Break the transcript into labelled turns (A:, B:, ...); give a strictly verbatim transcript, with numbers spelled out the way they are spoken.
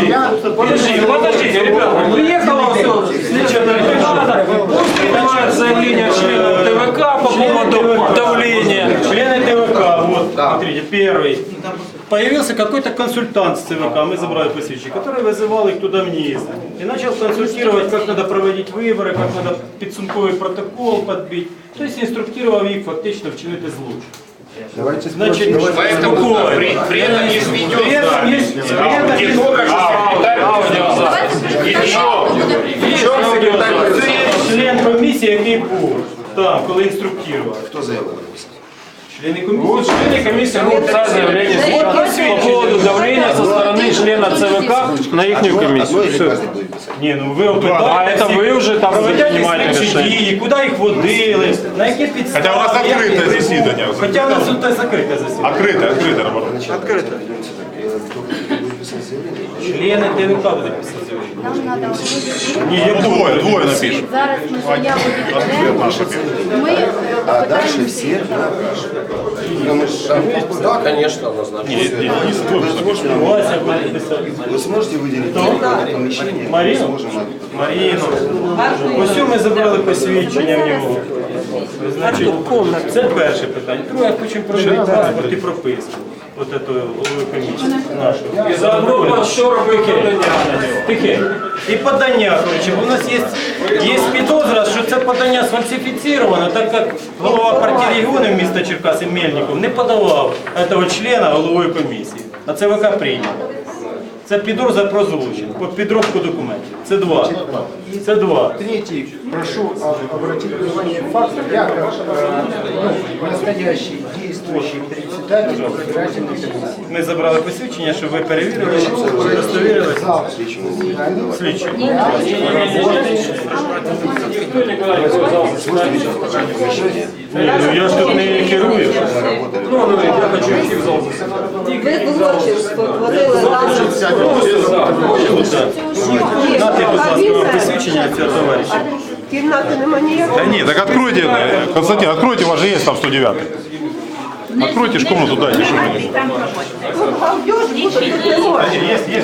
A: Подожди, подождите, ребята, приехала все, следующая бригада, пусть принимает заявление членов ТВК по поводу давления.
B: Члены ТВК, вот, смотрите, первый. Появился какой-то консультант с ЦВК, мы забрали посвящение, который вызывал их туда вниз. И начал консультировать, как надо проводить выборы, как надо підсумковий протокол подбить. То есть инструктировал их фактично вчинити злочин.
C: Давайте
B: Значит,
D: Поэтому при, при этом есть видеозапись. Не только что секретарь и еще, еще секретарь.
B: Член комісії, який був там, коли інструктував.
C: Кто заявку написал?
B: Члены комиссии.
A: Вот члены комиссии могут писать заявление по поводу давления со стороны члена ЦВК на их
C: Одно
A: комиссию.
C: или
A: Все.
C: каждый будет писать?
B: Ні, ну ви
A: А
B: опитаєте,
A: это вы уже там принимаете
B: слідчі
A: решение.
B: дії, куди їх водили, на які підстави.
E: Хоча у нас
B: які
E: відкрите
B: вибори.
E: засідання.
B: Хоча у нас тут закрите засідання.
E: Открыто, открыто, наоборот.
C: Открыто. Кто будет писать заявление?
B: Члени ТВК будуть писати заявлення.
F: Нам треба
B: Ні, я
E: Ну, двое, двое напишут.
F: зараз ми заяву відкладемо. Ми е,
C: А дальше
F: попитаємося.
C: все да,
D: Да, конечно, однозначно.
B: Вася буде писати.
C: Вы сможете выделить какое-то помещение?
B: Марину?
C: Мы сможем
B: Маріну. Ось ми забрали посвідчення в нього. Значить, це перше питання. Друге, хочемо провести паспорт і прописку. От этого голови комісії нашого.
A: И заодно что робити?
B: Тихе. І подання, коротше, бо у нас є, є підозра, що це подання сфальсифіцировано, так як голова партії регіонів міста Черкаси Мельников не подавав цього члена головою комісії, а ЦВК прийняв. Це підозра про злочин, по підробку документів. Це два. Це два.
G: Третий, прошу а, обратить внимание факт, я как э, ну, настоящий действующий председатель избирательной комиссии.
B: Ми забрали посвідчення, щоб ви перевірили, удостовірили. Слідчі. Ні, ну я ж тут не керую.
A: Ну, ну, я хочу идти в зал заседания.
H: Ви злочинство творили разом з
B: Нати, будь ласка, вам посвідчення цього товариша.
H: кімнати нема ніякої.
E: Да нет, так откройте, э, Константин, откройте, у вас же есть там сто девятый. Откройте ж комнату, дайте, чтобы они...
H: Галдеж бути не може.
B: Є, є.